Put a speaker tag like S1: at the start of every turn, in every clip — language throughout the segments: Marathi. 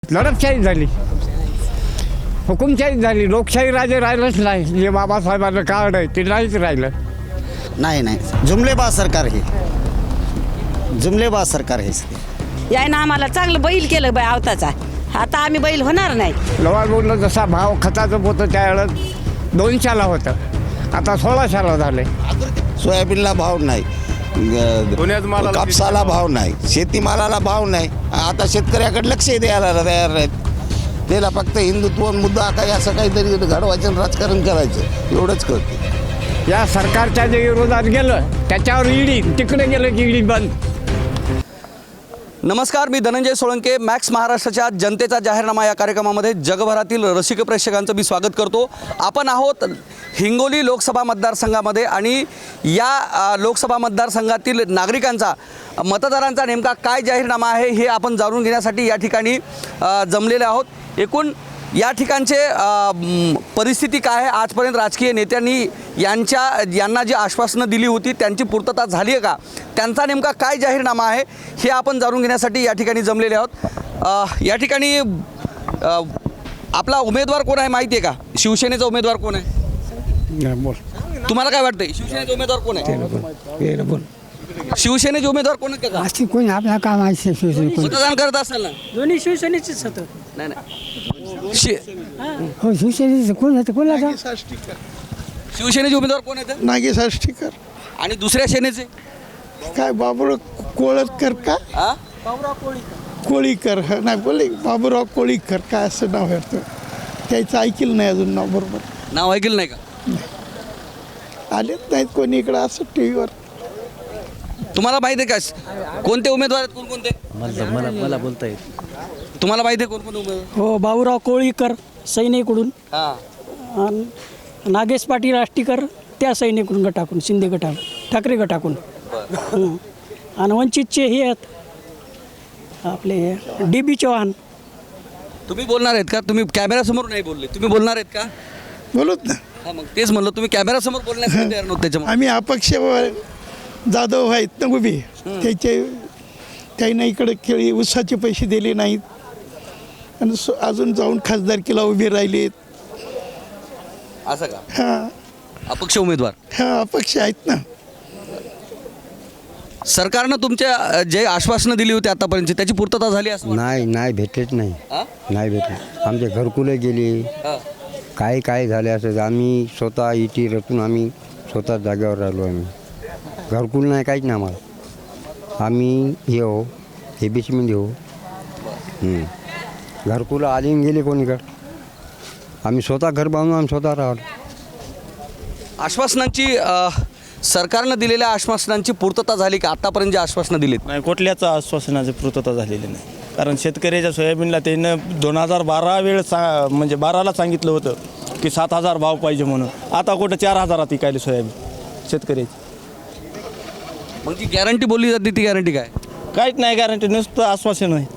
S1: लढतशाही झाली, हुकुमशाही झाली, लोकशाही राजे राहिलंच नाही. जे बाबासाहेबांचं कार्ड आहे ते नाहीच राहिलं.
S2: नाही जुमलेबाज सरकार हे, जुमलेबाज सरकार हे.
S3: यायनं आम्हाला चांगलं बैल केलं बाय आवताचा. आता आम्ही बैल होणार नाही.
S1: लवाल बोललं जसा भाव खताचं होतं त्यावेळेस 200ला होतं, आता 1600ला झाले.
S2: सोयाबीनला भाव नाही, कापसाला भाव नाही, शेतीमालाला भाव नाही. आता शेतकऱ्याकडे लक्ष द्यायला तयार नाहीत. त्याला फक्त हिंदुत्व मुद्दा काही असं काहीतरी घडवायचं, राजकारण करायचं एवढंच करते.
S1: या सरकारच्या जे विरोधात गेलं त्याच्यावर ईडी, तिकडे गेलं की ईडी बंद.
S4: नमस्कार, मी धनंजय सोळंके. मॅक्स महाराष्ट्राच्या जनतेचा जाहीरनामा या कार्यक्रमामध्ये जगभरातील रसिक प्रेक्षकांचं मी स्वागत करतो. आपण आहोत हिंगोली लोकसभा मतदारसंघामध्ये आणि या लोकसभा मतदारसंघातील नागरिकांचा, मतदारांचा नेमका काय जाहीरनामा आहे हे आपण जाणून घेण्यासाठी या ठिकाणी जमलेले आहोत. एकूण या ठिकाणचे परिस्थिती काय आहे, आजपर्यंत राजकीय नेत्यांनी यांना जी आश्वासनं दिली होती त्यांची पूर्तता झाली आहे का, त्यांचा नेमका काय जाहीरनामा आहे हे आपण जाणून घेण्यासाठी या ठिकाणी जमलेले आहोत. या ठिकाणी आपला उमेदवार कोण आहे माहिती आहे का? शिवसेनेचा उमेदवार कोण आहे?
S1: बोल,
S4: तुम्हाला काय वाटतंय शिवसेनेचा उमेदवार कोण आहे?
S1: बोल.
S4: शिवसेनेचे उमेदवार कोण आहेत का?
S1: अशी कोणी आपल्या काम आहे शिवसेने
S4: मतदान करत असाल ना?
S5: दोन्ही शिवसेनेचेच होतं.
S4: नाही नाही
S1: हो, शिवसेनेचं कोण होतं, कोणाला?
S4: शिवसेनेचे उमेदवार कोण आहेत
S6: नागेश आष्टीकर.
S4: आणि दुसऱ्या सेनेचे?
S6: काय बाबूराव कोळतकर का
S4: हा,
S6: कोळीकर नाही बोले बाबूराव कोळीकर काय असं नाव आहे वाटतं. त्याचं ऐकलं नाही अजून नाव बरोबर.
S4: नाव ऐकलं नाही का?
S6: आलेच नाहीत कोणी इकडं असं टी व्हीवर.
S4: तुम्हाला माहिती आहे का कोणते उमेदवार आहेत, कोणकोणते?
S7: मला बोलता येईल.
S4: तुम्हाला माहिती आहे कोणकोणते उमेदवार?
S5: हो, बाबूराव कोळीकर सैनिकडून,
S4: हां,
S5: आणि नागेश पाटील आष्टीकर त्या सैनिकडून गटाकून, शिंदे गटाकून, ठाकरे गटाकून. आणि वंचितचे हे आहेत आपले DB चव्हाण.
S4: तुम्ही बोलणार आहेत का? तुम्ही कॅमेरासमोर नाही बोलले, तुम्ही बोलणार आहेत का?
S6: बोलत ना
S4: हां, मग तेच म्हणलं, तुम्ही कॅमेरासमोर बोलण्यासाठी तयार नव्हते त्याच्यामुळे.
S6: आम्ही अपक्ष जाधव आहेत ना उभे, त्याने इकडे केळी उसाचे पैसे दिले नाहीत आणि अजून जाऊन खासदारकीला उभे राहिलेत.
S4: असं का?
S6: हां
S4: अपक्ष उमेदवार.
S6: हां अपक्ष आहेत ना.
S4: सरकारनं तुमच्या जे आश्वासनं दिली होती आतापर्यंत त्याची पूर्तता झाली असं
S7: नाही भेटत नाही. नाही भेटत. आमचे घरकुले गेली, काय झाले असं. आम्ही स्वतः इटी रचून आम्ही स्वतः जागेवर राहिलो. आम्ही घरकुल नाही, काहीच नाही आम्हाला. आम्ही हे हो ABC मध्ये हो, घरकुलं आली गेले कोणीकडं. आम्ही स्वतः घर बांधून आम्ही स्वतः राहिलो.
S4: आश्वासनांची सरकारनं दिलेल्या आश्वासनांची पूर्तता झाली का आतापर्यंत जे आश्वासनं दिलीत?
S8: नाही, कुठल्याच आश्वासनाची पूर्तता झालेली नाही. कारण शेतकऱ्याच्या सोयाबीनला त्यानं 2012 म्हणजे 12ला सांगितलं होतं की 7000 भाव पाहिजे म्हणून. आता कुठं 4000 इकायले सोयाबीन शेतकऱ्याची.
S4: मग जी गॅरंटी बोलली जाते ती गॅरंटी काय?
S8: काहीच नाही गॅरंटी, नुसतं आश्वासन आहे,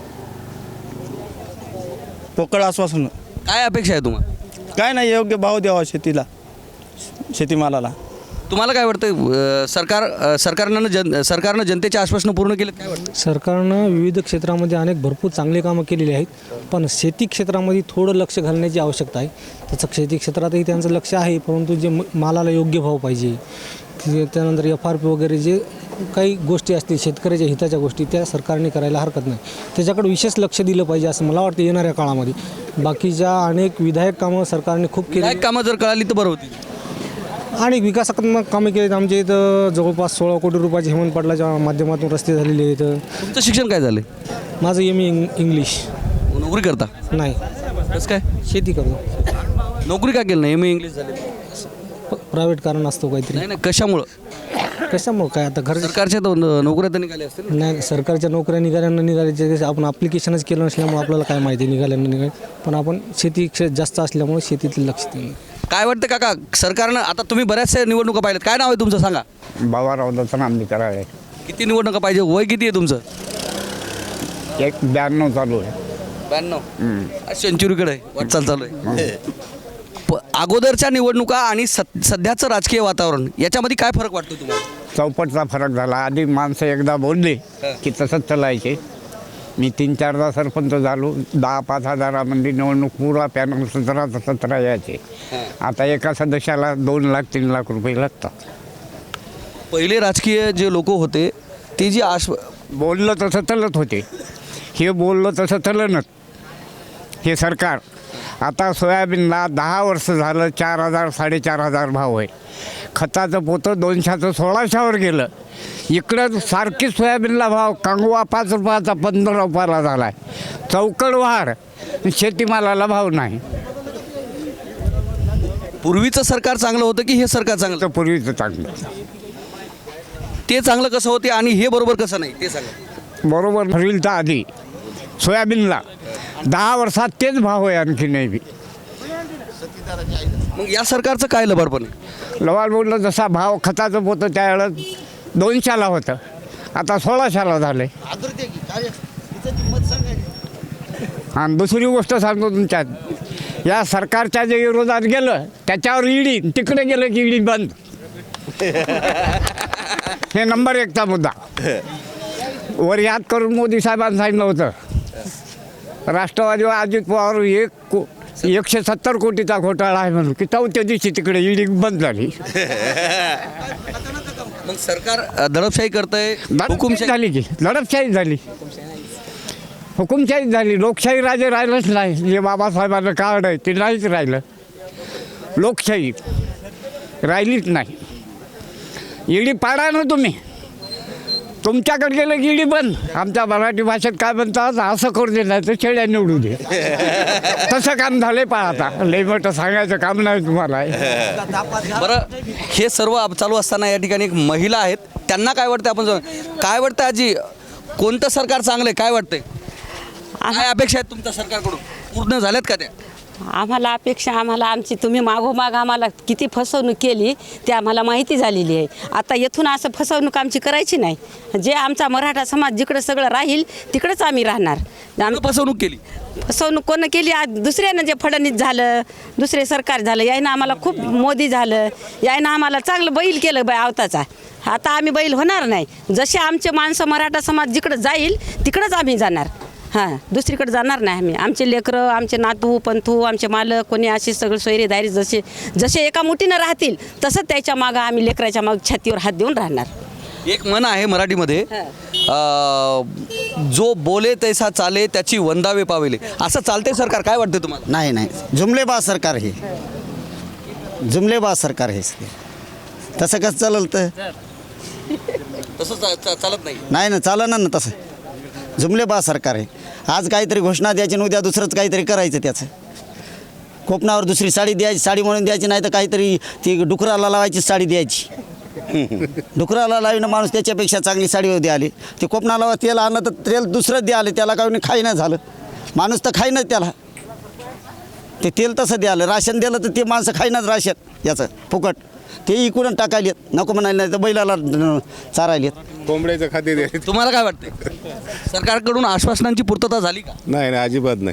S8: पोकळ आश्वासन.
S4: काय अपेक्षा आहे तुम्हाला?
S8: काय नाही, योग्य भाव द्यावा शेतीला, शेतीमालाला.
S4: तुम्हाला काय वाटतं सरकारनं जनतेचे आश्वासनं पूर्ण केलेत काय वाटतं?
S9: सरकारनं विविध क्षेत्रामध्ये भरपूर चांगले कामं केलेली आहेत, पण शेती क्षेत्रामध्ये थोडं लक्ष घालण्याची आवश्यकता आहे. तसं शेती क्षेत्रातही त्यांचं लक्ष आहे, परंतु जे मालाला योग्य भाव पाहिजे, त्यानंतर FRP वगैरे जे काही गोष्टी असतील शेतकऱ्याच्या हिताच्या गोष्टी, त्या सरकारने करायला हरकत नाही. त्याच्याकडे विशेष लक्ष दिलं पाहिजे असं मला वाटतं येणाऱ्या काळामध्ये. बाकीच्या अनेक विधायक कामं सरकारने खूप केली.
S4: कामं जर कळाली तर बरं होती.
S9: आणि विकासात्मक कामे केलीत. आमच्या इथं जवळपास 16 कोटी रुपयाचे हेमंत पाटलाच्या माध्यमातून रस्ते झालेले आहेत.
S4: तुमचं शिक्षण काय झालं?
S9: माझं MA इंग्लिश.
S4: नोकरी करता?
S9: नाही.
S4: कसं काय?
S9: शेती करतो.
S4: नोकरी का केलं नाही? MA इंग्लिश झाले.
S9: प्रायव्हेट कारण असतो काहीतरी.
S4: नाही कशामुळं
S9: काय आता घर
S4: सरकारच्या नोकऱ्या तर निघाल्या असतील.
S9: नाही, सरकारच्या नोकऱ्या निघाल्याच्या आपण ॲप्लिकेशनच केलं नसल्यामुळे आपल्याला काय माहिती निघाल्यानं निघाल. पण आपण शेती जास्त असल्यामुळे शेतीतील लक्ष दिलं.
S4: काय वाटतं काका, सरकारनं आता तुम्ही बऱ्याचशा निवडणुका पाहिल्यात, काय नाव आहे तुमचं सांगा?
S1: बाबाराव दत्तराम करावे.
S4: किती निवडणुका पाहिजे? वय किती आहे तुमचं?
S1: 92 चालू आहे.
S4: 92. सेंचुरीकडे आहे, वाटचाल चालू आहे. अगोदरच्या निवडणुका आणि सध्याचं राजकीय वातावरण याच्यामध्ये काय फरक वाटतो तुम्हाला?
S1: चौपटचा फरक झाला. आधी माणसं एकदा बोलली की तसंच चालायचे. मी 3-4दा सरपंच झालो. 10-5 हजारामध्ये निवडणूक पुरा पॅनल 17 यायचे. आता एका सदस्याला 2 लाख 3 लाख रुपये लागतात.
S4: पहिले राजकीय जे लोक होते ते जी
S1: बोललं तसं चलत होते. हे बोललं तसं चलनच हे सरकार. आता सोयाबीनला 10 वर्ष झालं 4,000 4,500 भाव आहे. खताचं पोतं 200चं 1,600वर गेलं. इकडं सारखी सोयाबीनला भाव कांगवा 5 रुपयाचा 15 रुपयाला झाला आहे. चौकड वाढ, शेतीमालाला भाव नाही.
S4: पूर्वीचं सरकार चांगलं होतं की हे सरकार चांगलं?
S1: तर पूर्वीचं चांगलं.
S4: ते चांगलं कसं होते आणि हे बरोबर कसं नाही ते सांगा.
S1: बरोबर फरीलचा आधी सोयाबीनला 10 वर्षात तेच भाव आहे. आणखी नाही बी.
S4: मग या सरकारचं काय लबाडपण आहे?
S1: लवाल बोललं जसा भाव खताचं पोतं त्यावेळेस 200ला होतं, आता 1,600ला झालं आहे. आणि दुसरी गोष्ट सांगतो तुमच्यात, या सरकारच्या जे विरोधात गेलं त्याच्यावर ईडी, तिकडे गेलं की ईडी बंद. हे नंबर 1चा मुद्दा. वर याद करून मोदी साहेबांनी सांगितलं होतं, राष्ट्रवादीवर अजित पवार 170 कोटीचा घोटाळा आहे म्हणून, की 4थ्या दिवशी तिकडे ईडी बंद झाली.
S4: मग सरकार दडपशाही करतंय,
S1: हुकुमशाही झाली की दडपशाही झाली, हुकुमशाही झाली. लोकशाही राजे राहिलंच नाही. जे बाबासाहेबांचं कार्ड आहे ते नाहीच राहिलं. लोकशाही राहिलीच नाही. ईडी पाडा ना तुम्ही. तुमच्याकडे गेलं की ईडी बंद. आमच्या मराठी भाषेत काय म्हणतात, असं करू दे नाही तर शेळ्या निवडू दे. तसं काम झालंय. पहा आता लय मोठं सांगायचं काम नाही तुम्हाला.
S4: बरं, हे सर्व चालू असताना या ठिकाणी एक महिला आहेत, त्यांना काय वाटतं आपण काय वाटतं आजी, कोणतं सरकार चांगलं आहे काय वाटतंय? काय अपेक्षा आहेत तुमच्या सरकारकडून, पूर्ण झाल्यात का त्या?
S3: आम्हाला अपेक्षा, आम्हाला आमची तुम्ही मागोमाग आम्हाला किती फसवणूक केली ते आम्हाला माहिती झालेली आहे. आता येथून असं फसवणूक आमची करायची नाही. जे आमचा मराठा समाज जिकडं सगळं राहील तिकडंच आम्ही राहणार.
S4: फसवणूक केली?
S3: फसवणूक कोण केली? आज दुसऱ्यानं जे फडणवीस झालं, दुसरे सरकार झालं, यायनं आम्हाला खूप, मोदी झालं, यायनं आम्हाला चांगलं बैल केलं बाय आवताचा. आता आम्ही बैल होणार नाही. जसे आमचे माणसं मराठा समाज जिकडं जाईल तिकडंच आम्ही जाणार. हां, दुसरीकडे जाणार नाही आम्ही. आमचे लेकरं, आमचे नातू पंथू, आमचे मालक कोणी असे सगळे सोयरेदारी जसे जसे एका मुठीनं राहतील तसंच त्याच्या मागं आम्ही लेकराच्या मागं छातीवर हात देऊन राहणार.
S4: एक म्हण आहे मराठीमध्ये, जो बोले तैसा चाले त्याची वंदावे पावेले. असं चालते सरकार? काय वाटतं तुम्हाला?
S10: नाही नाही, जुमलेबाज सरकार हे, जुमलेबाज सरकार हे. तसं कसं चाललं? तर
S4: तसं चालत नाही.
S10: नाही ना, चालणार ना तसं. जुमलेबाज सरकार आहे. आज काहीतरी घोषणा द्यायची आणि उद्या दुसरंच काहीतरी करायचं. त्याचं कोपणावर दुसरी साडी द्यायची, साडी म्हणून द्यायची, नाही तर काहीतरी ती डुकराला लावायची साडी द्यायची. डुकराला लावणं माणूस त्याच्यापेक्षा चांगली साडी द्याली. ते कोपणाला तेल आणलं तर तेल दुसरंच द्याले, त्याला काही खाईनं झालं. माणूस तर खाईनच त्याला. ते तेल तसं द्यालं. राशन दिलं तर ते माणसं खाईनच राशन याचं फुकट. ते इकडून टाकायलेत, नको म्हणाले, नाही तर बैलाला चारायलेत.
S11: कोंबड्याचं खाते दे.
S4: तुम्हाला काय वाटतं, सरकारकडून आश्वासनांची पूर्तता झाली का?
S11: नाही नाही, अजिबात नाही.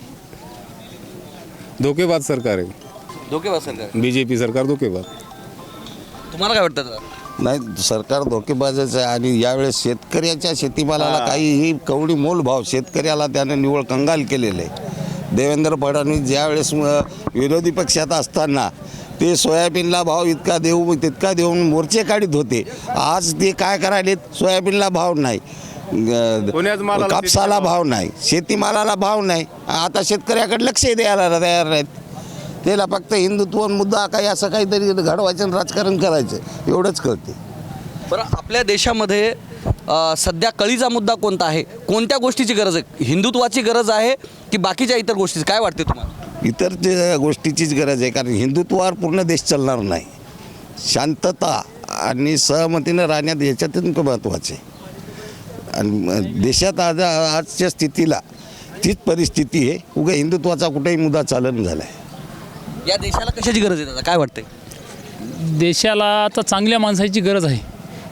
S11: धोकेबाज सरकार आहे.
S4: धोकेबाज सरकार,
S11: BJP सरकार धोकेबाज.
S4: तुम्हाला काय वाटतं?
S2: नाही, सरकार धोकेबाजच आहे. आणि यावेळेस शेतकऱ्याच्या शेतीमालाला काहीही कवडी मोल भाव शेतकऱ्याला त्याने निव्वळ कंगाल केलेलं आहे. देवेंद्र फडणवीस ज्यावेळेस विरोधी पक्षात असताना ते सोयाबीनला भाव इतका देऊ तितका देऊन मोर्चे काढीत होते. आज ते काय करायलेत, सोयाबीनला भाव नाही, कापसाला भाव नाही, शेतीमालाला भाव नाही. आता शेतकऱ्याकडे लक्ष द्यायला तयार नाहीत. त्याला फक्त हिंदुत्व मुद्दा काही असं काहीतरी घडवायचं, राजकारण करायचं एवढंच कळते.
S4: बरं, आपल्या देशामध्ये सध्या कळीचा मुद्दा कोणता आहे? कोणत्या गोष्टीची गरज आहे? हिंदुत्वाची गरज आहे की बाकीच्या इतर गोष्टी? काय वाटते तुम्हाला?
S2: इतर गोष्टीचीच गरज आहे. कारण हिंदुत्वावर पूर्ण देश चालणार नाही. शांतता आणि सहमतीनं राहण्यात याच्यातून महत्त्वाचे आहे. आणि देशात आजच्या स्थितीला तीच परिस्थिती आहे. उगा हिंदुत्वाचा कुठेही मुद्दा चालन झाला आहे.
S4: या देशाला कशाची गरज आहे दादा, काय वाटतंय?
S12: देशाला आता चांगल्या माणसाची गरज आहे.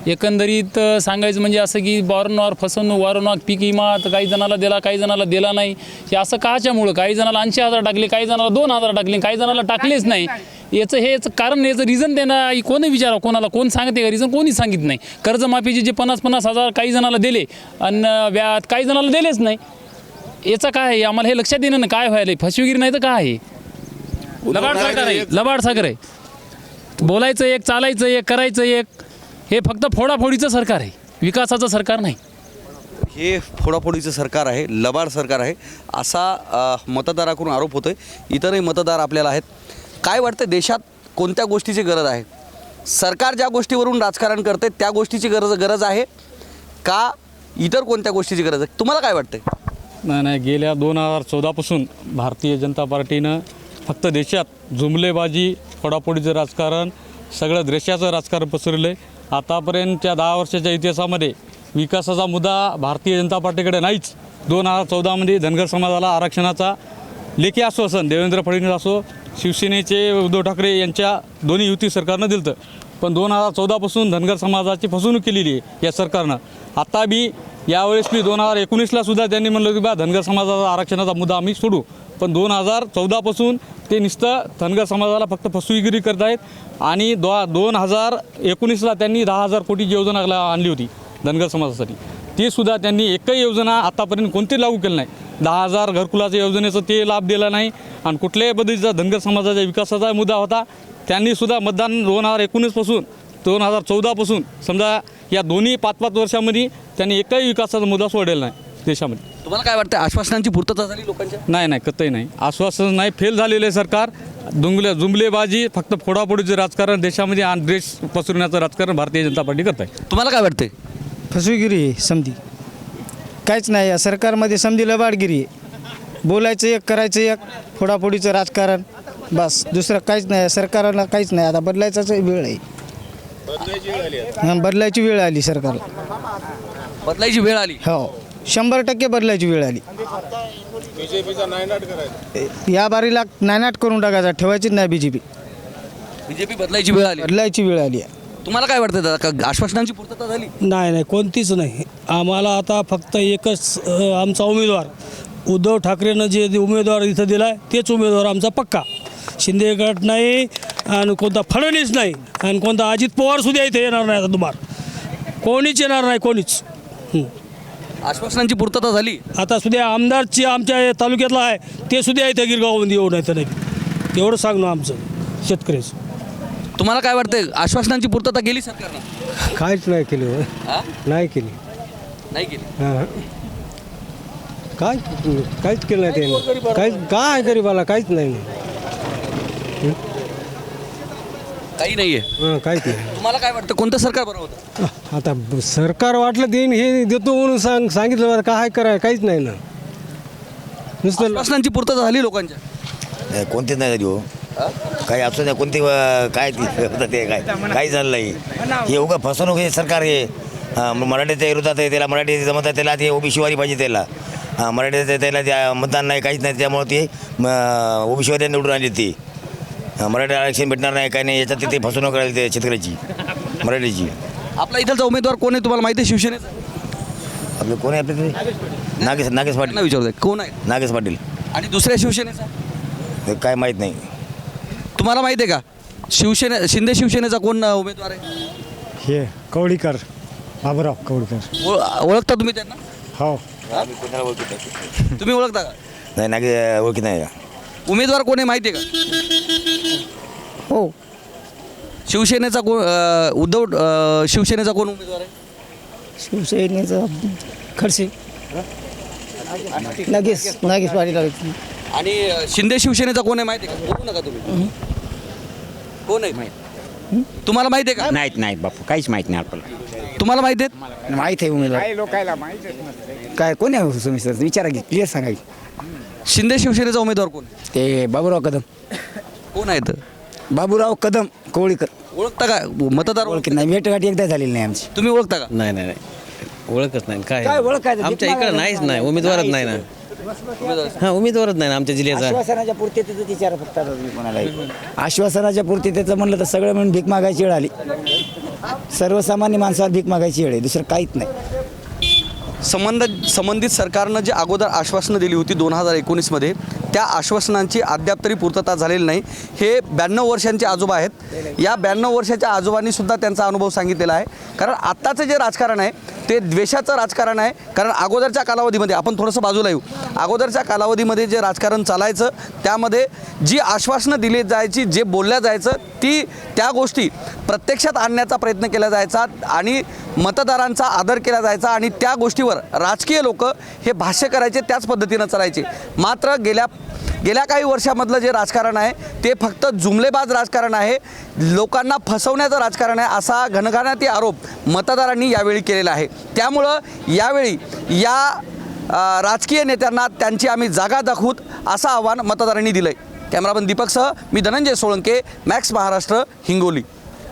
S12: एकंदरीत सांगायचं म्हणजे असं की वारंवार फसवणूक, वारंवार पीक विमा तर काही जणाला दिला, काही जणाला दिला नाही. हे असं काच्यामुळं? काही जणाला 80,000 टाकले, काही जणाला 2,000 टाकले, काही जणाला टाकलेच नाही. हेच कारण, याचं रिझन देणं कोणी विचारा, कोणाला कोण सांगते का रिझन? कोणीच सांगितलं नाही. कर्जमाफीचे जे 50,000 काही जणाला दिले आणि व्याज काही जणाला दिलेच नाही. याचं काय आहे? आम्हाला हे लक्षात येणं ना काय व्हायला. फसवेगिरी नाही तर काय आहे? लबाड सरकार आहे, लबाड सरकार आहे. बोलायचं एक, चालायचं एक, करायचं एक. हे फक्त फोडाफोडीचं सरकार आहे, विकासाचं सरकार नाही.
S4: हे फोडाफोडीचं सरकार आहे, लबाड सरकार आहे, असा मतदाराकडून आरोप होतोय. इतरही मतदार आपल्याला आहेत. काय वाटतं, देशात कोणत्या गोष्टीची गरज आहे? सरकार ज्या गोष्टीवरून राजकारण करते त्या गोष्टीची गरज आहे का इतर कोणत्या गोष्टीची गरज आहे? तुम्हाला काय वाटतंय?
S13: नाही, गेल्या 2014पासून भारतीय जनता पार्टीनं फक्त देशात जुमलेबाजी, फोडाफोडीचं राजकारण, सगळं देशाचं राजकारण पसरलं आहे. आतापर्यंतच्या 10 वर्षाच्या इतिहासामध्ये विकासाचा मुद्दा भारतीय जनता पार्टीकडे नाहीच. 2014मध्ये धनगर समाजाला आरक्षणाचा लेखी आश्वासन देवेंद्र फडणवीस असो, शिवसेनेचे उद्धव ठाकरे यांच्या दोन्ही युती सरकारनं दिलं होतं. पण 2014पासून धनगर समाजाची फसवणूक केलेली आहे या सरकारनं. आता बी यावेळेस मी 2019ला सुद्धा त्यांनी म्हणलं की बा धनगर समाजाचा आरक्षणाचा मुद्दा आम्ही सोडू. पण 2014पासून ते नुसतं धनगर समाजाला फक्त फसवेगिरी करत आहेत. आणि 2019ला त्यांनी 10,000 कोटीची योजना आणली होती धनगर समाजासाठी. ती सुद्धा त्यांनी एकही योजना आतापर्यंत कोणती लागू केली नाही. 10,000 घरकुलाच्या योजनेचं ते लाभ दिला नाही. आणि कुठल्याही पद्धतीचा धनगर समाजाच्या विकासाचा मुद्दा होता. त्यांनी सुद्धा मतदान 2019पासून 2014पासून समजा या दोन्ही 5-5 वर्षामध्ये त्यांनी एकही विकासाचा मुद्दा सोडलेला नाही देशामध्ये.
S4: तुम्हाला काय वाटतं, आश्वासनांची पूर्तता झाली लोकांच्या?
S13: नाही, कतई नाही. आश्वासन नाही, फेल झालेलं आहे सरकार. जुमलेबाजी, फक्त फोडाफोडीचं राजकारण देशामध्ये आणि देश पसरवण्याचं राजकारण भारतीय जनता पार्टी करत आहे.
S4: तुम्हाला काय वाटतंय?
S5: फसवेगिरी आहे समधी, काहीच नाही या सरकारमध्ये. समधी लबाडगिरी आहे. बोलायचं एक, करायचं एक, फोडाफोडीचं राजकारण, बस. दुसरं काहीच नाही. सरकारला काहीच नाही. आता बदलायचाच वेळ आहे. बदलायची वेळ आली सरकारला.
S4: बदलायची वेळ आली?
S5: हो, 100% बदलायची वेळ आली. या बारीला नायनाट करून टाकायचा, ठेवायचीच नाही बीजेपी.
S4: बदलायची वेळ आली?
S5: बदलायची वेळ आली.
S4: तुम्हाला काय वाटतं दादा, का आश्वासनांची पूर्तता झाली?
S5: नाही, कोणतीच नाही. आम्हाला आता फक्त एकच आमचा उमेदवार, उद्धव ठाकरेनं जे उमेदवार इथं दिला आहे तेच उमेदवार आमचा पक्का. शिंदे गट नाही आणि कोणता फडणवीस नाही आणि कोणता अजित पवारसुद्धा इथे येणार नाही. आता तुम्हाला कोणीच येणार नाही, कोणीच.
S4: आश्वासनांची पूर्तता झाली?
S5: आता सुद्धा आमदारची आमच्या तालुक्यातला आहे ते सुद्धा इथे गिरगावमध्ये येऊ नाही तर नाही. एवढं सांगणं आमचं शेतकऱ्याचं.
S4: तुम्हाला काय वाटतंय, आश्वासनांची पूर्तता केली सरकारनं?
S7: काहीच नाही केली. नाही केली.
S4: नाही केली?
S7: हां, काहीच केलं नाही त्याने. काहीच काय गरीबाला काहीच नाही.
S4: काही नाहीये?
S7: काहीच नाही.
S4: तुम्हाला काय वाटतं, कोणतं सरकार बरं होतं?
S7: आता सरकार वाटलं देईन हे देतो म्हणून सांगितलं मला काय कराय काहीच नाही ना. नुसतं
S4: आश्वासनांची पूर्तता झाली लोकांच्या?
S14: कोणते नाही झाली हो. काही असू द्या, कोणती काय ते काय झालं नाही. हे उगा फसवणूक हे सरकार हे मराठीच्या विरोधात आहे. त्याला मराठी जमत आहे, त्याला ते ओबीसीवारी पाहिजे. त्याला मराठीचं त्याला त्या मतदान नाही, काहीच नाही. त्यामुळे ते ओबीसीवारी निवडून आली. ती मराठी आरक्षण भेटणार नाही, काही नाही. याच्यात ते फसवणूक करायला ते शेतकऱ्याची मराठीची.
S4: आपला इथलचा उमेदवार कोण आहे तुम्हाला माहिती आहे? शिवसेनेचा
S14: आपलं कोण आहे? आपले नागेश पाटील.
S4: विचारतोय कोण आहे?
S14: नागेश पाटील.
S4: आणि दुसऱ्या शिवसेनेचा
S14: काय माहीत नाही.
S4: तुम्हाला माहिती आहे का? शिंदे शिवसेनेचा कोण उमेदवार आहे?
S7: हे कवडीकर, बाबूराव कवडीकर.
S4: ओळखता तुम्ही त्यांना?
S7: हो.
S4: तुम्ही ओळखता का?
S14: नाही, नागे ओळखी नाही.
S4: उमेदवार कोण आहे माहिती आहे का?
S5: हो.
S4: शिवसेनेचा कोण शिवसेनेचा कोण उमेदवार आहे?
S5: शिवसेनेचा खडसे, नागेश पाटील.
S4: आणि शिंदे शिवसेनेचा कोण आहे माहिती आहे का? बोलू नका तुम्ही. कोण आहे तुम्हाला माहिती आहे का?
S1: नाहीत बापू, काहीच माहीत नाही आपल्याला.
S4: तुम्हाला माहिती आहे?
S1: माहीत आहे उमेदवार. काही लोकायला माहीतच नसते. काय कोण आहे तुम्ही विचारा की, क्लिअर सांगा.
S4: शिंदे शिवसेनेचा उमेदवार कोण?
S1: ते बाबूराव कदम.
S4: कोण आहेत?
S1: बाबूराव कदम कोळीकर.
S4: ओळखता का? मतदार
S1: ओळखी नाही, भेटगाठी एकदा झालेली नाही आमची.
S4: तुम्ही ओळखता का?
S13: नाही, ओळखच नाही.
S1: काय ओळखायचं?
S13: आमच्या इकडं नाहीच नाही, उमेदवारच नाही ना.
S15: हां उमेदवारच नाही ना आमच्या जिल्ह्याचा.
S10: आश्वासनाच्या पूर्ततेचं विचार फक्त म्हणाला आश्वासनाच्या पूर्ततेचं म्हणलं तर सगळं म्हणून भीक मागायची वेळ आली. सर्वसामान्य माणसाला भीक मागायची वेळ आहे, दुसरं काहीच नाही.
S4: संबंधित सरकारनं जे अगोदर आश्वासनं दिली होती 2019मध्ये, त्या आश्वासनांची अद्याप तरी पूर्तता झालेली नाही. हे 92 वर्षांचे आजोबा आहेत. या 92 वर्षाच्या आजोबांनी सुद्धा त्यांचा अनुभव सांगितलेला आहे. कारण आत्ताचं जे राजकारण आहे ते द्वेषाचं राजकारण आहे. कारण अगोदरच्या कालावधीमध्ये आपण थोडंसं बाजूला येऊ. अगोदरच्या कालावधीमध्ये जे राजकारण चालायचं त्यामध्ये जी आश्वासनं दिली जायची, जे बोलल्या जायचं, त्या गोष्टी प्रत्यक्षात आणण्याचा प्रयत्न केला जायचा आणि मतदारांचा आदर केला जायचा आणि त्या गोष्टीवर राजकीय लोक हे भाष्य करायचे, त्याच पद्धतीनं चालायचे. मात्र गेल्या काही वर्षामधलं जे राजकारण आहे ते फक्त जुमलेबाज राजकारण आहे, लोकांना फसवण्याचं राजकारण आहे, असा घणघणाटी आरोप मतदारांनी यावेळी केलेला आहे. त्यामुळं यावेळी या राजकीय नेत्यांना त्यांची आम्ही जागा दाखवूत असं आव्हान मतदारांनी दिलं आहे. कॅमेरामन दीपकसह मी धनंजय सोळंके, मॅक्स महाराष्ट्र, हिंगोली.